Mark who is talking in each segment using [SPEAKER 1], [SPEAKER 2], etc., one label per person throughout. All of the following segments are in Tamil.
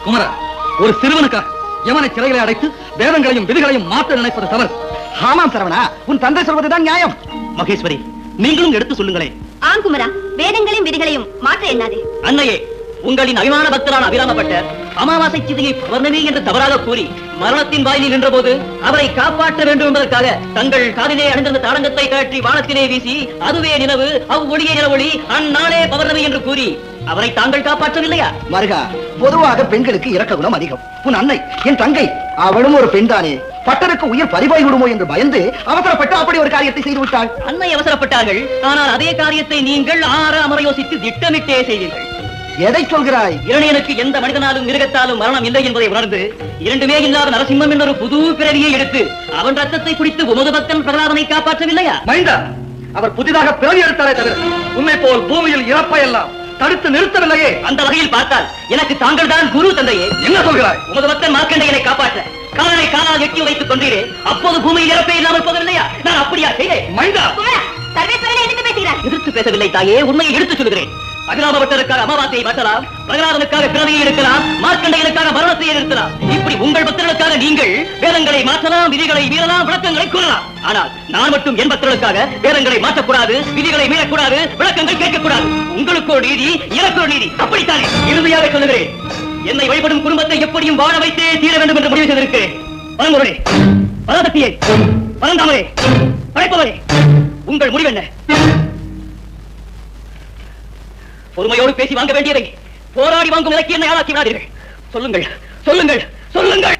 [SPEAKER 1] குமர, ஒரு சிறுவனுக்காக யமனை சிறைகளை அடைத்து வேதங்களையும் விதிகளையும் மாற்ற நினைப்பது தவறு.
[SPEAKER 2] ஆமாம் சரவணா, உன் தந்தை சொல்வதுதான் நியாயம்.
[SPEAKER 1] மகேஸ்வரி, நீங்களும் எடுத்து சொல்லுங்களேன்.
[SPEAKER 3] ஆம் குமரா, வேதங்களையும் விதிகளையும் மாற்ற எண்ணாதே.
[SPEAKER 4] அன்னையே, உங்களின் அபிமான பக்தரான அபிராமப்பட்டர் அமாவாசை சிதையை பௌர்ணமி என்று தவறாக கூறி மரணத்தின் வாயிலில் நின்ற போது அவரை காப்பாற்ற வேண்டும் என்பதற்காக தங்கள் காதிலே அணிந்திருந்த தாடங்கத்தை கழற்றி வானத்திலே வீசி அதுவே நிலவு, அவ்வொளியே நிலவொளி, அந்நாளே பௌர்ணமி என்று கூறி அவரை தாங்கள் காப்பாற்றவில்லையா?
[SPEAKER 2] மருகா, பொதுவாக பெண்களுக்கு இரக்க குணம் அதிகம். உன் அன்னை, என் தங்கை, அவளும் ஒரு பெண் தானே. பட்டருக்கு உயிர் பறிபோய் விடுமோ என்று பயந்து அவசரப்பட்டு அப்படி ஒரு காரியத்தை செய்து விட்டாள்.
[SPEAKER 4] அன்னை அவசரப்பட்டார்கள், ஆனால் அதே காரியத்தை நீங்கள் ஆற அமர யோசித்து திட்டமிட்டே செய்தீர்கள்.
[SPEAKER 2] எதை சொல்கிறாய்?
[SPEAKER 4] இரணியனுக்கு எந்த மனிதனாலும் மிருகத்தாலும் மரணம் இல்லை என்பதை உணர்ந்து இரண்டுமே இல்லாத நரசிம்மம் என்ற ஒரு புது பிறவியை எடுத்து அவன் ரத்தத்தை குடித்து உமது பக்தன் பிரகலாதனை காப்பாற்றவில்லையா?
[SPEAKER 1] மைந்தா, அவர் புதிதாக பிறவி எடுத்தாரே தவிர உண்மை போல் பூமியில் இறப்பை எல்லாம் தடுத்து நிறுத்தவில்லையே.
[SPEAKER 4] அந்த வகையில் பார்த்தால் எனக்கு தாங்கள் தான் குரு தந்தையே.
[SPEAKER 1] என்ன சொல்கிறாய்?
[SPEAKER 4] உமது பக்தன் மார்க்கண்டையனை காப்பாற்ற காலனை காலால் எட்டி வைத்துக் கொண்டீரே, அப்போது பூமியில் இறப்பே இல்லாமல் போகவில்லையா? நான் அப்படியா செய்தேன்?
[SPEAKER 1] மைந்தா,
[SPEAKER 3] குமரா, சர்வேஸ்வரனை எதிர்த்து பேசுகிறார்.
[SPEAKER 4] எதிர்த்து பேசவில்லை தாயே, உண்மையை எடுத்துச் சொல்கிறேன். அபிராமபட்டருக்காக அமாவாசையை மாற்றலாம், பிரகலாதனுக்காக பிறவியை எடுக்கலாம், மார்க்கண்டையனுக்காக மரணத்தை நிறுத்தலாம். இப்படி உங்கள் பக்தர்களுக்காக நீங்கள் வேதங்களை மாற்றலாம், விதிகளை மீறலாம், விளக்கங்களை கூறலாம். ஆனால் நான் மட்டும் என் பக்தர்களுக்காக வேதங்களை மாற்றக்கூடாது, விதிகளை மீறக்கூடாது, விளக்கங்கள் கேட்கக்கூடாது. உங்களுக்கு ஒரு நீதி, எனக்கு ஒரு நீதி. அப்படித்தானே? இறுதியாக சொல்லுகிறேன், என்னை வழிபடும் குடும்பத்தை எப்படியும் வாழ வைத்தே தீர வேண்டும் என்று முடிவு செய்திருக்கிறேன். பரம்பொருளே, பராசக்தியே, பரந்தாமரே, படைப்பவரே, உங்கள் முடிவு என்ன? பொறுமையோடு பேசி வாங்க வேண்டியதை போராடி வாங்கும் நிலைக்கு என்னை ஆளாக்கி விடாதீர்கள். சொல்லுங்கள், சொல்லுங்கள், சொல்லுங்கள்.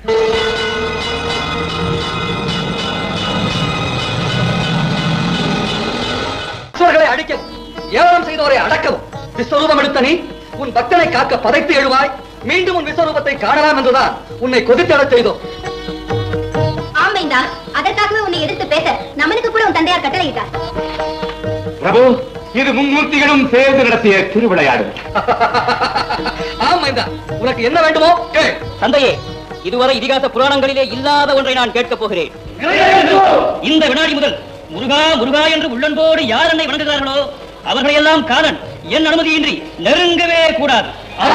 [SPEAKER 1] அடிக்கவும், ஏவலம் செய்தோரை அடக்கவும் விஸ்வரூபம் எடுத்த நீ உன் பக்தனை காக்க பதைத்து எழுவாய். மீண்டும் உன் விஸ்வரூபத்தை காணலாம் என்றுதான் உன்னை கொதித்தெழச் செய்தோம்.
[SPEAKER 3] ஆமைந்தா, அதற்காகவே உன்னை எதிர்த்து பேச நமனுக்கு கூட உன் தந்தையார் கட்டளையிட்டார்.
[SPEAKER 5] பிரபு, இது மும்மூர்த்திகளும் சேர்ந்து நடத்திய திருவிளையாடு.
[SPEAKER 1] ஆமைந்தா, உனக்கு என்ன வேண்டுமோ கேள்.
[SPEAKER 4] தந்தையே, இதுவரை இதிகாச புராணங்களிலே இல்லாத ஒன்றை நான் கேட்கப் போகிறேன். இந்த வினாடி முதல் முருகா முருகா என்று உள்ளன்போடு யார் என்னை வணங்குகிறார்களோ அவர்களையெல்லாம் காலன் என் அனுமதியின்றி நெருங்கவே கூடாது.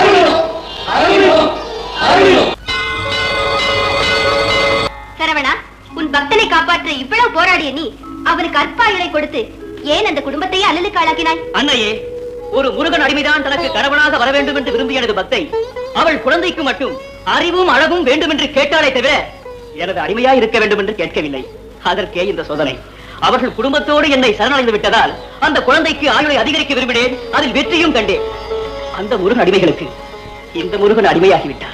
[SPEAKER 3] சரவணா, உன் பக்தனை காப்பாற்ற இவ்வளவு போராடிய நீ அவனுக்கு அற்பாயுளை கொடுத்து ஏன் அந்த குடும்பத்தையே அல்லலுக்கு ஆளாக்கினாய்?
[SPEAKER 4] அன்னையே, ஒரு முருகன் அடிமைதான் தனக்கு கணவனாக வர வேண்டும் என்று விரும்பிய எனது பக்தை அவள் குழந்தைக்கு மட்டும் அறிவும் அழகும் வேண்டும் என்று கேட்டாலே தவிர எனது அடிமையா இருக்க வேண்டும் என்று கேட்கவில்லை. அதற்கே இந்த சோதனை. அவர்கள் குடும்பத்தோடு என்னை சரணடைந்து விட்டதால் அந்த குழந்தைக்கு ஆயுளை அதிகரிக்க விரும்பினேன். அதில் வெற்றியும் கண்டேன். அந்த முருகன் அடிமைகளுக்கு இந்த முருகன் அடிமையாகிவிட்டார்.